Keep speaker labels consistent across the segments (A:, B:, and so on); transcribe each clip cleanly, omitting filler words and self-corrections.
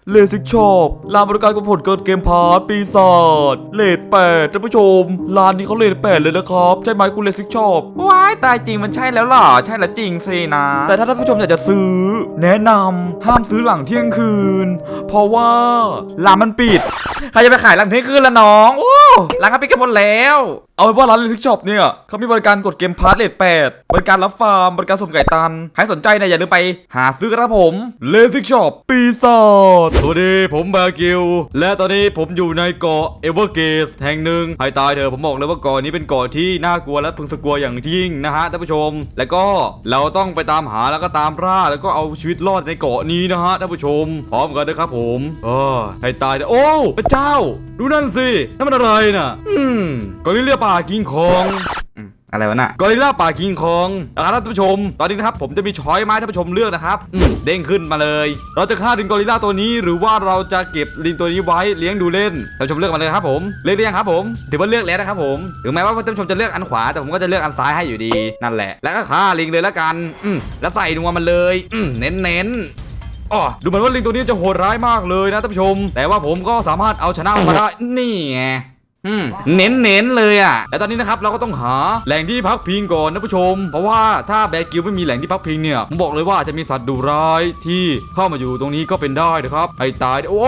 A: เลสิกช็อปร้านบริการกดผลเกินเกมพาร์ทปีศาจเลท8ท่านผู้ชมร้านนี้เขาเลท8เลยนะครับใช่ไหมคุณเลสิกช็อปว้ายตายจริงมันใช่แล้วหรอใช่แล้วจริงสินะแต่ถ้าท่านผู้ชมอยากจะซื้อแนะนำห้ามซื้อหลังเที่ยงคืนเพราะว่าร้านมันปิดใครจะไปขายหลังเที่ยงคืนละน้องโอ้ร้านเขาปิดกันหมดแล้วเอาเป็นว่าร้านเลสิกช็อปเนี่ยเขามีบริการกดเกมพาร์ทเลท8บริการรับฟาร์มบริการส่งไก่ตันใครสนใจเนี่ยอย่าลืมไปหาซื้อกันครับผมเลสิกช็อปปีศาจสวัสดีผมแบร์กิลและตอนนี้ผมอยู่ในเกาะเอเวอร์เกสแห่งหนึ่งให้ตายเถอะผมบอกเลยว่าเกาะนี้เป็นเกาะที่น่ากลัวและพึงสะกลัวอย่างยิ่งนะฮะท่านผู้ชมและก็เราต้องไปตามหาแล้วก็ตามล่าแล้วก็เอาชีวิตรอดในเกาะนี้นะฮะท่านผู้ชมพร้อมกันนะครับผมให้ตายเถอะโอ้พระเจ้าดูนั่นสินั่นมันอะไรน่ะกอริลลาป่ากิงคองอะไรวะน่ะกอริลลาป่าคิงคองนะครับท่านผู้ชมตอนนี้นะครับผมจะมีช้อยมาให้ท่านผู้ชมเลือกนะครับเด้งขึ้นมาเลยเราจะฆ่าลิงกอริลลาตัวนี้หรือว่าเราจะเก็บลิงตัวนี้ไว้เลี้ยงดูเล่นท่านผู้ชมเลือกมาเลยครับผมเลือกได้ยังครับผมถือว่าเลือกแล้วนะครับผมถึงแม้ว่าท่านผู้ชมจะเลือกอันขวาแต่ผมก็จะเลือกอันซ้ายให้อยู่ดีนั่นแหละแล้วก็ฆ่าลิงเลยแล้วกันแล้วใส่นัวมันเลยเน้นดูเหมือนว่าลิงตัวนี้จะโหดร้ายมากเลยนะท่านผู้ชมแต่ว่าผมก็สามารถเอาชนะมันมาได้นี่ไงเน้นเลยอ่ะแต่ตอนนี้นะครับเราก็ต้องหาแหล่งที่พักพิงก่อนนะผู้ชมเพราะว่าถ้าแบร์กิลไม่มีแหล่งที่พักพิงเนี่ยผมบอกเลยว่าจะมีสัตว์ดุร้ายที่เข้ามาอยู่ตรงนี้ก็เป็นได้นะครับไอ้ตายโอ้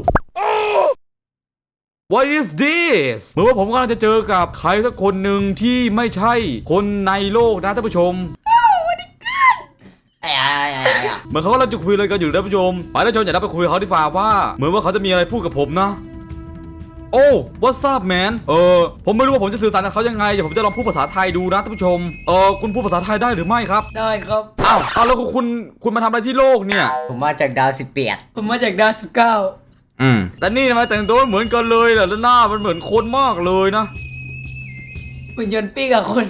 A: What is this เหมือนว่าผมกำลังจะเจอกับใครสักคนหนึ่งที่ไม่ใช่คนในโลกนะท่านผู้ชมเหมือนเขากำลังจะคุยอะไรกันอยู่นะผู้ชมไปท่านผู้ชมอย่าไปคุยกับเขาดีกว่าว่าเหมือนว่าเขาจะมีอะไรพูดกับผมนะโอ้ what's up man ผมไม่รู้ว่าผมจะสื่อสารกับเขายังไงเดี๋ยวผมจะลองพูดภาษาไทยดูนะท่านผู้ชมคุณพูดภาษาไทยได้หรือไม่ครับ
B: ได้ครับ
A: อ้าวแล้วคุณมาทำอะไรที่โลกเนี่ย
B: ผมมาจากดาว18ผมมาจากดาว19
A: แต่นี่ทำไมแต่งตัวเหมือนกันเลยล่ะแล้วหน้ามันเหมือนคนมากเลยนะ
B: หุ่นยนต์ปี้กับคน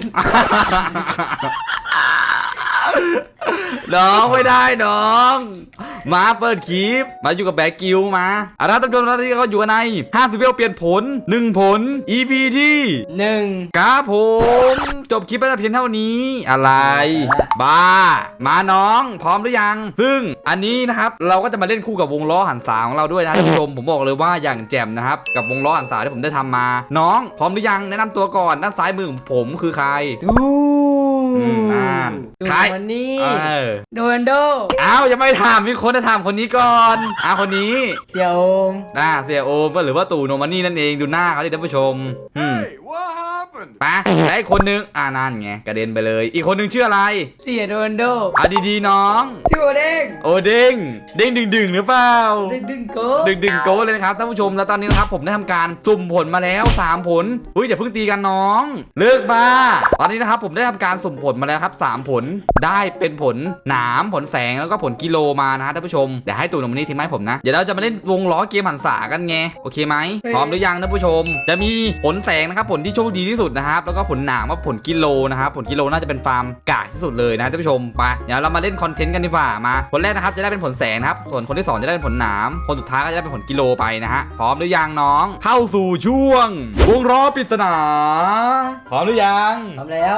A: น้องไม่ได้น้องมาเปิดคลิปมาอยู่กับแบกกิลมาท่านผู้ชมที่เขาอยู่กันใน50เวลเปลี่ยนผล1ผล EP ที่1ครับผมจบคลิปไปแต่เพียงเท่านี้อะไรบ้ามาน้องพร้อมหรือยังซึ่งอันนี้นะครับเราก็จะมาเล่นคู่กับวงล้อหันษาของเราด้วยนะท่านผู้ชมผมบอกเลยว่าอย่างแจ่มนะครับกับวงล้อหันษาที่ผมได้ทำมาน้องพร้อมหรือยังแนะนำตัวก่อนด้านซ้ายมือของผมคือใคร
B: ใครวันนี้โดนโด
A: ยังไม่ถามมีคนจะถามคนนี้ก่อนคนนี้
B: เสี่ยโอม
A: เสี่ยโอมก็หรือว่าตู่โนมานี่นั่นเองดูหน้าเขาดิท่านผู้ชมไปแล้วอีกคนนึงนั่นไงกระเด็นไปเลยอีกคนนึงชื่ออะไร
B: เสี่ยโดนโด
A: ดีๆน้อง
B: ชื่อโอเด้ง
A: ดึงหรือเปล่า
B: ดึงโ
A: ก้เลยนะครับท่านผู้ชมแล้วตอนนี้นะครับผมได้ทำการสุ่มผลมาแล้ว3ผลอย่าเพิ่งตีกันน้องเลิกบ้าตอนนี้นะครับผมได้ทำการสุ่มผลมาแล้วครับ3ผลได้เป็นผลหนามผลแสงแล้วก็ผลกิโลมานะฮะท่านผู้ชมเดี๋ยวให้ตู่โนมานี่ทิ้งไม้ผมนะเดี๋ยวเราจะมาเล่นวงล้อเกมหันษากันไงโอเคไหมพร้อมหรือยังท่านผู้ชมจะมีผลแสงนะครับผลที่โชคดีที่สุดนะครับแล้วก็ผลหนามว่าผลกิโลนะครับผลกิโลน่าจะเป็นฟาร์มกากที่สุดเลยนะท่านผู้ชมไปเดี๋ยวเรามาเล่นคอนเทนต์กันดีกว่ามาคนแรกนะครับจะได้เป็นผลแสงนะครับส่วนคนที่2จะได้เป็นผลหนามคนสุดท้ายก็จะได้เป็นผลกิโลไปนะฮะพร้อมหรือยังน้องเข้าสู่ช่วงวงล้อปริศนาพร้อมหรือยัง
B: พร้อมแล้ว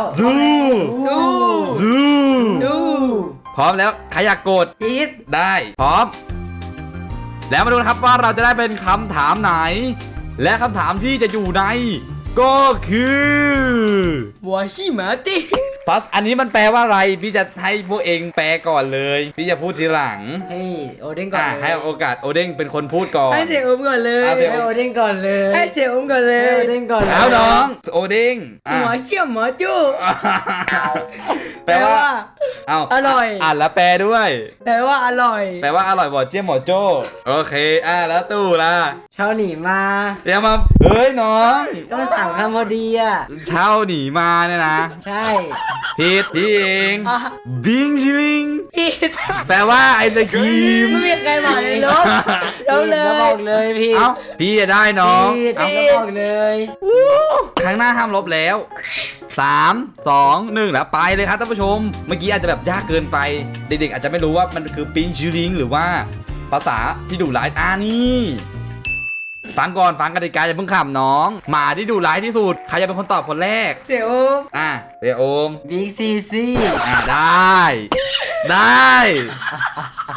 A: สู้พร้อมแล้วใครอยากกดได้พร้อมแล้วมาดูนะครับว่าเราจะได้เป็นคำถามไหนและคำถามที่จะอยู่ในก็คือ
B: วาชิมาติ
A: พัสอันนี้มันแปลว่าอะไรพี่จะให้พวกเองแปลก่อนเลยพี่จะพูดทีหลัง
B: ให้โอเด้งก่อน
A: ให้โอกาสโอเด้งเป็นคนพูดก่อน
B: ให้เสี่ยโอมก่อนเลยให้โอเด้งก่อนเลยให้เสี่ยโอมก่อนเลยโอเด้งก่อน
A: แล้วน้องโอเด้ง
B: หัวเชี่ยวหมอจู้
A: แปลว่า
B: อร่อย
A: แล้วแปลด้วย
B: แปลว่าอร่อย
A: บอกเจี๊ยบหมอโจ้โอเคแล้วตู้ล่ะ
B: เช่าหนีมา
A: เดี๋ยวมาเฮ้ยน้อง
B: ก็สั่งคำพอดี
A: เช่าหนีมาเนี่ยนะ
B: ใช่
A: ผิดพี่เองบิงชิลิง
B: ผิด
A: แปลว่าไอศกรีม
B: ไม่มีใครมาเลยลบเราเลยบอกเลย
A: พี่จะได้น้อง
B: เอาบอกเลย
A: ครั้งหน้าห้ามลบแล้ว3 2 1แล้วไปเลยครับท่านผู้ชมเมื่อกี้อาจจะแบบยากเกินไปเด็กๆอาจจะไม่รู้ว่ามันคือปิงชิลิงหรือว่าภาษาที่ดุร้ายนี่ฟังก่อนฟังกติกาอย่าเพิ่งขำน้องหมาที่ดุร้ายที่สุดใครจะเป็นคนตอบคนแรก
B: เสี่ยโอม
A: เสี่ยโอม
B: บิ๊กซี
A: ได้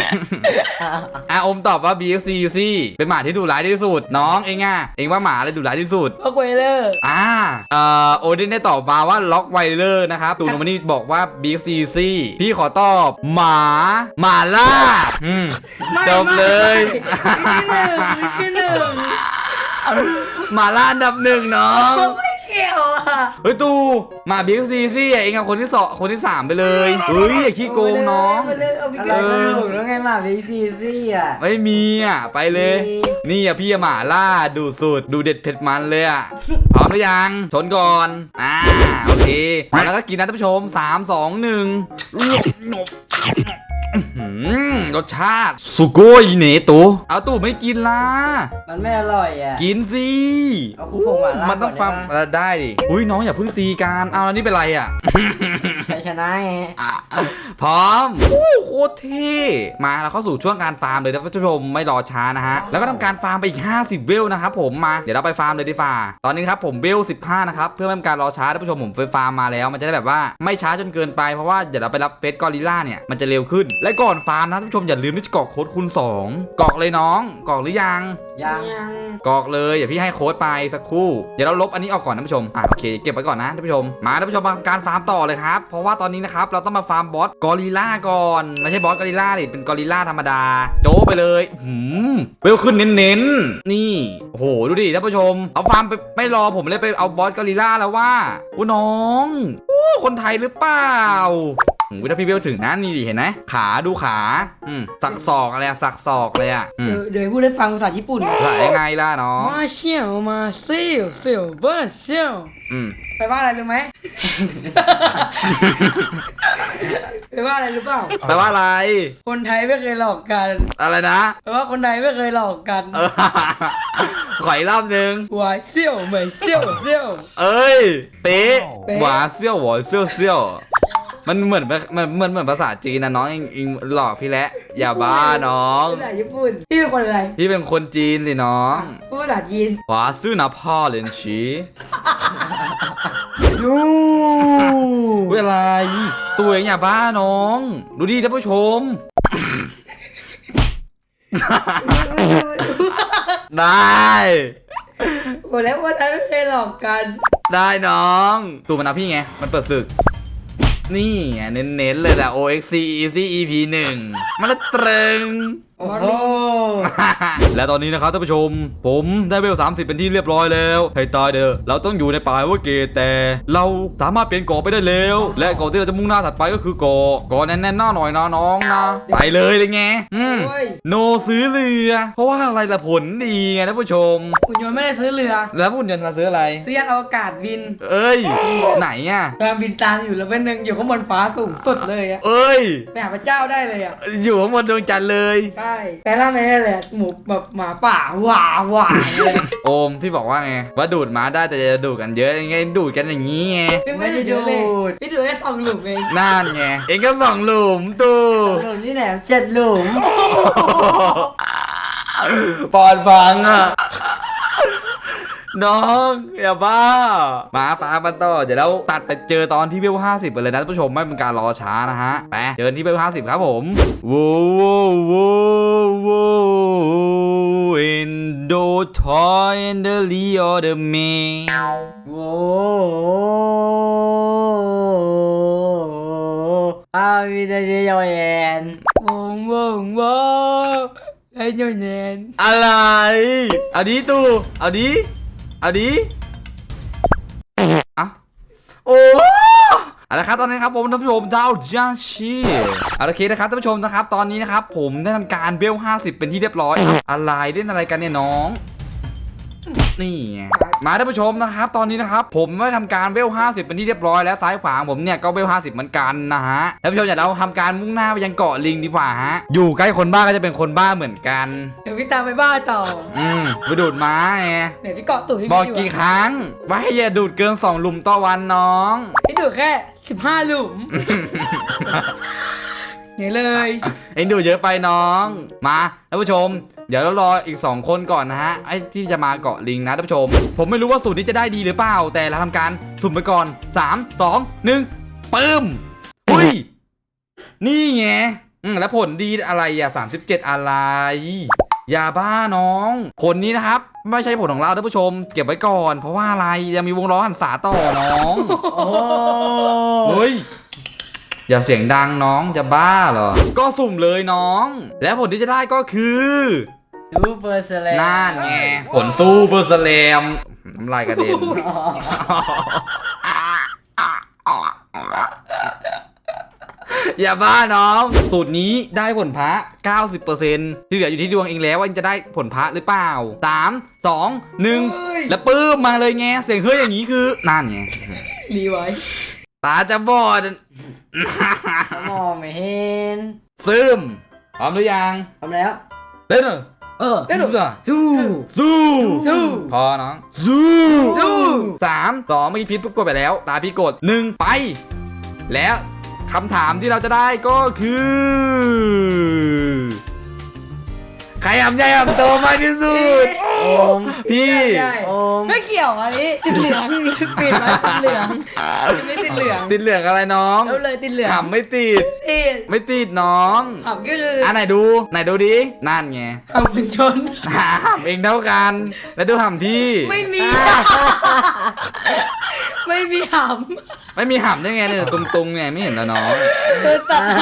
C: อมตอบว่า BFC สิเป็นหมาที่ดุร้ายที่สุดน้องเองเองว่าหมาอะไรดุร้ายที่สุด
B: ล็อกไวเลอร์
C: โอเดนได้ตอบมาว่าล็อกไวเลอร์นะครับตูนมันนี่บอกว่า BFC สิพี่ขอตอบหมาล่าจบเลย
B: ที่หนึ่ง
C: หมาล่าอันดับหนึ่งน้อง
B: ไม่เกี่ยวอ่ะ
C: เฮ้ยตูหมา BFC สิเองคนที่2คนที่3ไปเลยเฮ้ยอย่าขี้โกงน้อง
B: อะไรไม่ถูกแล้วไงหมาบีซีซี่อ่ะ
C: ไม่มีไปเลย นี่พี่หมาล่าดูสุดดูเด็ดเผ็ดมันเลยพร้อมหรือยังชนก่อนโอเคแล้วก็กินนะท่านผู้ชม3 2 1รสชาติสุโกยเนตูเอาตู่ไม่กินล่ะ
B: มันไม่อร่อยอ่ะ
C: กินสิ
B: เอาคู่ผงหวาน
C: มันต้องฟังได้ดิอุ้ยน้องอย่าเพิ่งตีกันเอาแล้วนี่เป็นไร
B: ชัยชนะไง
C: พร้อมโคตรเท่มาเราเข้าสู่ช่วงการฟาร์มเลยนะท่านผู้ชมไม่รอช้านะฮะแล้วก็ทำการฟาร์มไปอีก50เวลนะครับผมมาเดี๋ยวเราไปฟาร์มเลยดีฟ่าตอนนี้ครับผมเวล15นะครับเพื่อไม่เป็นการรอช้าท่านผู้ชมผมไปฟาร์มมาแล้วมันจะได้แบบว่าไม่ช้าจนเกินไปเพราะว่าเดี๋ยวเราไปรับเฟสกอริลล่าเนี่ยมันจะเร็วขึ้นและก่อนฟาร์มนะท่านผู้ชมอย่าลืมที่จะกรอกโค้ดคูณ2กรอกเลยน้องกรอกหรือยังกรอกเลยอย่าพี่ให้โค้ดไปสักครู่เดี๋ยวเราลบอันนี้ออกก่อนท่านผู้ชมโอเคเก็บไปก่อนนะท่านผู้ชมมาท่านผู้ชมมาการฟาร์มต่อเลยครับเพราะว่าตอนนี้นะครับเราต้องมาฟาร์มบอสกอริลล่าก่อนไม่ใช่บอสกอริลล่าดิเป็นกอริลล่าธรรมดาโจ้ไปเลยเวลขึ้นเน้นๆนี่โอ้โหดูดิท่านผู้ชมเอาฟาร์มไปไม่รอผมเลยไปเอาบอสกอริลล่าแล้วว่าน้องคนไทยหรือเปล่าถ้าพี่เบลถึงนะนี่ดิเห็นไหมขาดูขาสักศอกอะไรสักศอกเลย
B: เดี๋ยวพูดให้ฟังภาษาญี่ปุ่น
C: ภาษายังไงล่ะน้อง
B: มาเชี่ยวมาเซี่ยวเซี่ยวเบอร์เซี่ยวแปลว่าอะไรรู้ไหม แปลว่าอะไรรู้เปล่า
C: แปลว่าอะไร
B: คนไทยไม่เคยหลอกกัน
C: อะไรนะ
B: แปลว่าคนไทยไม่เคยหลอกกัน
C: ขออีกรอบนึง
B: หวาเซี่ยวเหมยเซี่ยวเซี่ยว
C: เอ้ยเป๊ะหวาเซี่ยวหวาเซี่ยวเซี่ยวมันเหมือนภาษาจีนนะน้องอิงหลอกพี่แล้วอย่าบ้าน้อง
B: ภาษาญี่ปุ่นพี่เป็นคนอะไร
C: พี่เป็นคนจีนสิน้อง
B: พูดภาษาจีน
C: หวาซื่อนะพ่อเลนชีเวลาตัวเองอย่าบ้าน้องดูดิท่านผู้ชมได้
B: หมดแล้วคนไทยไม่เคยหลอกกัน
C: ได้น้องตูมันเอาพี่ไงมันเปิดศึกนี่ไงเน้นๆเลยแหละ OXC Easy EP 1มันละตรึง
B: โอ้โห
C: และตอนนี้นะครับท่านผู้ชมผมได้เวล30เป็นที่เรียบร้อยแล้วให้ตายเด้อเราต้องอยู่ในป่าว่าเกตแต่เราสามารถเปลี่ยนเกาะไปได้แล้วและเกาะที่เราจะมุ่งหน้าถัดไปก็คือเกาะแน่นๆหน้าหน่อยนะน้องนะไปเลยไงโนซื้อเรือเพราะว่าอะไรล่ะผลดีไงท่านผู้ชม
B: หุ่นยนต์ไม่ได้ซื้อเรือ
C: แล้วหุ่นยนต์มาซื้ออะไร
B: ซื้อยานอวกาศบิน
C: ไหน
B: กำลังบินตามอยู่แล้วเป็นหนึ่งอยู่ข้างบนฟ้าสูงสุดเลยไปหาพระเจ้าได้เลย
C: อยู่ข้างบนดวงจันทร์เลย
B: ใช่แต่ล่าไม่ได้เลยหมูแบบหมาป่าหว่าเลย
C: โอมพี่บอกว่าไงว่าดูดม้าได้แต่จะดูดกันเยอะยังไงดูดกันอย่างนี้ไง
B: ไม่ได้ดูเลยพี่ดูแค่2 หลุมเอง
C: นั่นไงเองก็2 หลุมตู
B: หลุมนี่แหละ7 หลุม
C: ปอดฟังน้องอย่าบ้ามาฟ้ามันต่อเดี๋ยวเราตัดไปเจอตอนที่เวล50ไปเลยนะท่านผู้ชมไม่เป็นการรอช้านะฮะไปเจอที่เวล50ครับผมวูin the toy and the Leo the man
B: มีแต่เยาเย็นไอ้เยาเย็น
C: อะไรเอาดิตู่เอาดิโอ้เอาละครับตอนนี้ครับผมท่านผู้ชมดาวจันชีเอาละเคนะครับท่านผู้ชมนะครับตอนนี้นะครับผมได้ทำการเบล50เป็นที่เรียบร้อยอะไรเล่นอะไรกันเนี่ยน้องนี่มาท่านผู้ชมนะครับตอนนี้นะครับผมได้ทำการเวล50เป็นที่เรียบร้อยแล้วซ้ายขวาผมเนี่ยก็เวล50เหมือนกันนะฮะท่านผู้ชมอย่าเราทำการมุ่งหน้าไปยังเกาะลิงดีกว่าฮะอยู่ใกล้คนบ้าก็จะเป็นคนบ้าเหมือนกัน
B: เดี๋ยวพี่ตามไปบ้าต่อ
C: ไปดูดม้าไง
B: เดี๋ยวพี่เกาะตู่
C: บอกกี่ครั้งว่าให้อย่าดูดเกิน2 หลุมต่อวันน้อง
B: พี่ดูดแค่15 หลุมเนี่ยเลย
C: เอ็งดูเยอะไปน้องมาท่านผู้ชมเดี๋ยวเรารออีก2 คนก่อนนะฮะไอ้ที่จะมาเกาะลิงนะท่านผู้ชมผมไม่รู้ว่าสูตรนี้จะได้ดีหรือเปล่าแต่เราทำการสุ่มไปก่อน3 2 1ปึ้มอุ้ยนี่ไงแล้วผลดีอะไรอ่ะ37อะไรยาบ้าน้องผลนี้นะครับไม่ใช่ผลของเราท่านผู้ชมเก็บไว้ก่อนเพราะว่าอะไรยังมีวงล้อหันษาต่อน้อง
B: โอ้
C: เฮ้ยอย่าเสียงดังน้องจะบ้าเหรอก็สุ่มเลยน้อง และผลที่จะได้ก็คือ
B: ซูเปอร์สแลม
C: นั่นไงผลซูเปอร์สแลมน้ำลายกระเด็น อย่าบ้าน้องสูตรนี้ได้ผลพระ 90% ที่เหลืออยู่ที่ดวงเองแล้วว่าจะได้ผลพระหรือเปล่า 3 2 1 แล้วปื้มมาเลยไงเสียงเฮ้ยอย่างนี้คือนั่นไง
B: รีไว้
C: ตาจะบอด
B: มองไม่เห็น
C: ซึมพร้อมหรือยัง
B: ทำแล้ว
C: เต้นเหรอ
B: ได้หรอ
C: สู้
B: สู้
C: สู้พอน้องสู้
B: สู้
C: 3 2เมื่อกี้พีทกดไปแล้วตาพี่กด1ไปแล้วคำถามที่เราจะได้ก็คือใครอ่ำใหญ่อ่ำโตมากที่สุด
B: โอม
C: พี่
B: ไม่เกี่ยวอันนี้ติดเหลืองปิดไว้ติดเหลืองไม่ติดเหลือง
C: ติดเหลืองอะไรน้อง
B: แล้วเลยติดเหลือง
C: หำไม่ติด
B: ติด
C: ไม่ติดน้อง
B: ขำก็คือ
C: ไหนดูดินั่นไง
B: ขำเป็นชน
C: หำเองเท่ากัน แล้วดูหำพี่
B: ไม่มี ไม่มีห
C: ไม่มีหำได้ไงเนี่ยตุงๆไงไม่เห็นแล้วน้อง
B: ำเธอตัดห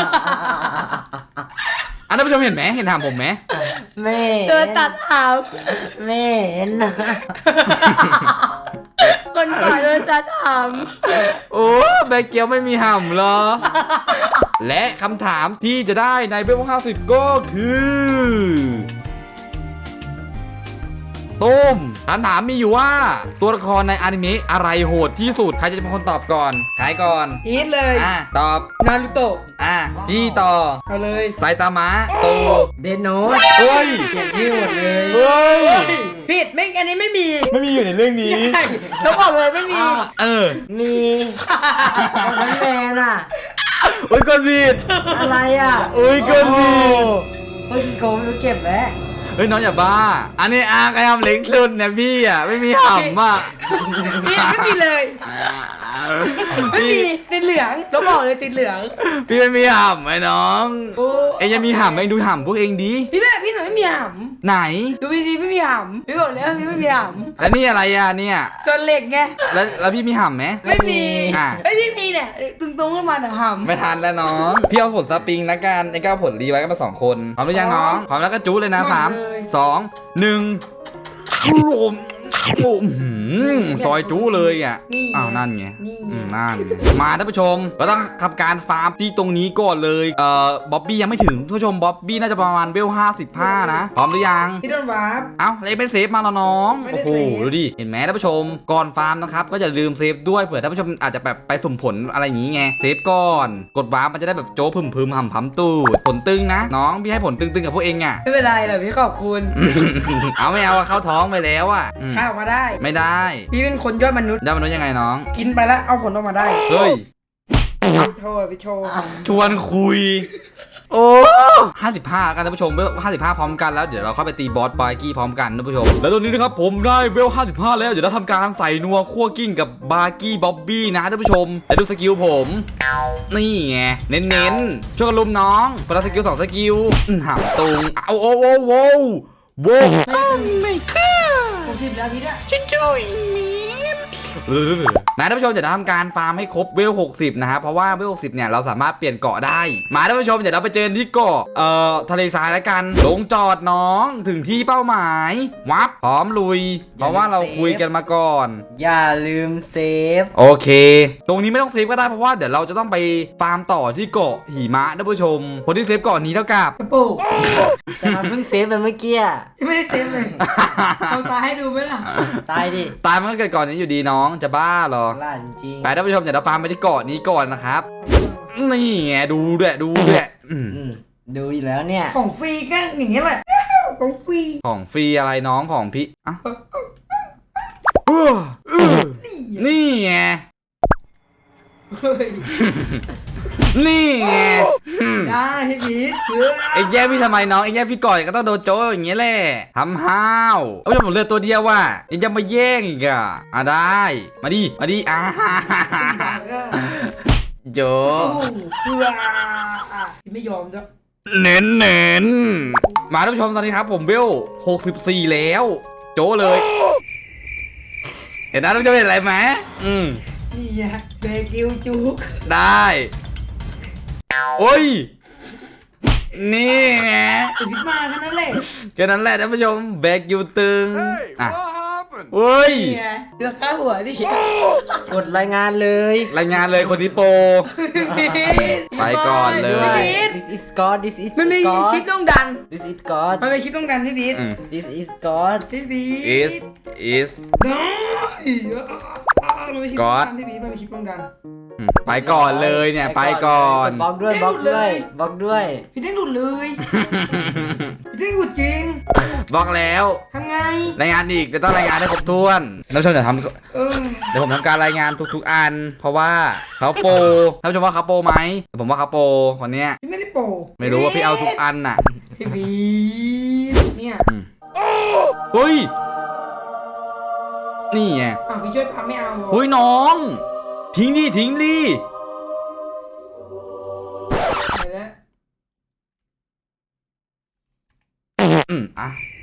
C: อันนั้นผู้ชมเห็นไหมเห็นหำผมไหม
B: ำเธอตัดหำไม่เห็นคนฝ่ายเธอตัดห
C: โอ้แบเกียวไม่มีหำเหรอ และคำถามที่จะได้ในเบล50ก็คือตุ้มคำถามมีอยู่ว่าตัวละครในอนิเมะอะไรโหดที่สุดใครจะเป็นคนตอบก่อนใครก่อน
B: ำอีทเลย
C: ตอบ
B: นารูโตะ
C: พี่ต่อ
B: เอาเลย
C: ไซตามะโต
B: เดนโนต
C: เฮ้ย
B: เปลี่ยนชื่อหมดเลย
C: เฮ้ย
B: ผิดไม่อันนี้ไม่มี
C: ไม่มีอยู่ในเรื่องนี้
B: ใช่แล้วบอกเลยไม่มี
D: มีทั้งแมนอ่ะ
C: อุ้ยกดผิด
D: อะไรอ่ะ
C: อุ้ยกดผิด
D: เมื่อกี้โกงรู้เก็บแล้ว
C: เฮ้ยน้องอย่าบ้า อันนี้อาใครทำเล็กสุดเนี่ยพี่อ่ะไม่มีหำอ่ะ
B: พี่ไม่มีเลย ไม่มีติดเหลืองแล้วบอกเลยติดเหลือง
C: พี่ไม่มีหำไอ้น้อง
B: โอ้
C: เอ็งยังมีหำเอ็งดูหำพวกเอ็งดี
B: พี่หนูไม่มีห
C: ไหน
B: ำดูดีๆไม่มีหำพี่บอกแล้วพี่ไม่มีห
C: แล้วนี่อะไรอ่ะเนี่ย
B: ำส่วนเหล็กไง
C: แล้วพี่มีหำไหม
B: ไม่มี
C: อ่ะ
B: ไอ้ยพี่มีเนี่ยตุ้งๆขึ้นมาแต่หำ
C: ไม่ทันแล้วน้อง พี่เอาผลสปริงละกันเอ็งก็เอาผลรีไว้กันมา2 คนพร้อมหรือยังน้องพร้อมแล้วก็จู๊เลยนะ3 2 1รวมซอยจู๊เลยอ่ะ
B: นี่
C: อ้าวนั่นไง
B: นี่
C: นั่นมาท่านผู้ชมก็ต้องทำการฟาร์มที่ตรงนี้ก่อนเลยบ๊อบบี้ยังไม่ถึงท่านผู้ชมบ๊อบบี้น่าจะประมาณเวล55นะพร้อมหรือยัง
B: พี่โดนวาร์ป
C: เอ้าอะไรเป็นเซฟมาแล้วน้อง
B: ไม่ได้
C: โอ้โห
B: เซฟ
C: ดูดิเห็นไหมท่านผู้ชมก่อนฟาร์มนะครับก็อย่าลืมเซฟด้วยเผื่อท่านผู้ชมอาจจะแบบไปสุ่มผลอะไรอย่างงี้ไงเซฟก่อนกดวาร์ปมันจะได้แบบโจ้พึมๆหำๆตูดผลตึงนะน้องพี่ให้ผลตึงๆกับพวกเองอ่ะ
B: ไม่เป็นไรหรอกพี่ขอบคุณ
C: เอาไม่เอาอะเข้าท้องไปแล้วอ่ะอืม
B: ข้าออกมาได้
C: ไม่ได้
B: พี่เป็นคนยอดมนุษย์
C: ได้มนุษย์ยังไงน้อง
B: กินไปแล้วเอาผลออกมาได้
C: เฮ้ย
B: โชว์พี่โชว์
C: ชวนคุย โอ้55กันท่านผู้ชมเวล55 พร้อมกันแล้วเดี๋ยวเราเข้าไปตีบอสบาร์กี้พร้อมกันท่านผู้ชม แล้วตอนนี้นะครับผมได้เวล55แล้วเดี๋ยวเราทำการใส่นัวคั่วกิ้งกับบาร์กี้บ๊อบบี้นะท่านผู้ชมแล้วดูสกิลผมนี่ไงเน้นๆช่วยกันลุมน้องคนละสกิล2 สกิลหามตรงเอาโอ้โว้โว้โว้ไม่ค่ะ
B: 60แล้วพี่เนี่ย
C: มาท่านผู้ชมเดี๋ยวเราทำการฟาร์มให้ครบเวล60นะครับเพราะว่าเวล60เนี่ยเราสามารถเปลี่ยนเกาะได้มาท่านผู้ชมเดี๋ยวเราไปเจอที่เกาะทะเลทรายแล้วกันลงจอดน้องถึงที่เป้าหมายวับพร้อมลุย เพราะว่าเราคุยกันมาก่อน
D: อย่าลืมเซฟ
C: โอเค ตรงนี้ไม่ต้องเซฟก็ได้เพราะว่าเดี๋ยวเราจะต้องไปฟาร์มต่อที่เกาะหิมะท่านผู้ชมคนที่เซฟเกาะนี้เท่ากับ
B: กระปุก
D: แต่มันเพิ่งเซฟไปเมื่อกี้อะ
B: ไม่ได้เซฟเลยทำตาให้ดูไหมล่ะ
D: ตายดิ
C: ตายมันก็เกิดก่อนนี้อยู่ดีน้องจะบ้าเหรอ
D: ล่าจริง
C: ไปท่านผู้ชมเดี๋ยวเราฟาร์มไปที่เกาะนี้ก่อนนะครับนี่ไงดูด้วย
D: ดูอีกแล้วเนี่ย
B: ของฟรีก็อย่างนี้แหละของฟรี
C: ของฟรีอะไรน้องของพี่อ่ะนี่ไง
B: เฮ้ย
C: นี่ไง
B: ได้พี่พีท
C: เอ็งแย่งพี่ทำไมน้องเอ็งแย่งพี่ก่อนก็ต้องโดนโจ้อย่างเงี้ยแหละทำห้าวเอาไม่ใช่ผมเลือกตัวเดียวว่ะเอ็งจะมาแย่งอีกอ่ะได้มาดิโจ
B: โอ้โหไม่ยอมด้วย
C: เน้นเน้นมาท่านผู้ชมตอนนี้ครับผมเวล64แล้วโจเลยเห็นนะท่านผู้ชมเห็นอะไรไหม
B: นี่ไงเบกิวจุก
C: ได้โอ้ยนี่ไง
B: พิดมาแค่นั้นแหละ
C: แค่นั้นแหละท่านผู้ชมแบกอยู่ตึงอ่ะเฮ้ย
B: นี่ไงเดือดข้าหัวดิ
D: กดรายงานเลย
C: รายงานเลยคนที่โปร ไปก่อนเลย
B: พี่พีท
D: This is God This is
B: มันมี
D: God
B: ชิปต้องดัน
D: This is God
B: มันมีชิปต้องดันพี่พีท
D: This is God
B: พี่พี
C: is
B: ได้มันมีชิปต้องดันพี่พีทมันมีชิปต้องดัน
C: ไปก่อนเลยเนี่ยไปก่อน
D: บล็อกด้วยบล็อกด้วยบล็อกด้วย
B: พี่เด้งหลุดเลยพี่เด้งหลุดจริง
C: บอกแล้ว
B: ทำไง
C: รายงานอีกจะต้องรายงานให้ครบถ้วนท่านผู้ชมเดี๋ยว
B: เออ
C: ผมทำการรายงานทุกๆอัน เพราะว่าเขาโปรท่านผู้ชมว่าเขาโปรไหมผมว่าเขาโปรคนเนี้ย
B: พี่ไม่ได้โปร
C: ไม่รู้ว่าพี่เอาทุกอันน่ะ
B: พี่พีทเนี่ย
C: เฮ้ยนี่ไง
B: อ้าวพี่ช่วยพาไม่เอาเหรอ
C: เฮ้ยน้อง ทิ้งดิทิ้งดิ
B: ไปแล้ว
C: อ่ะ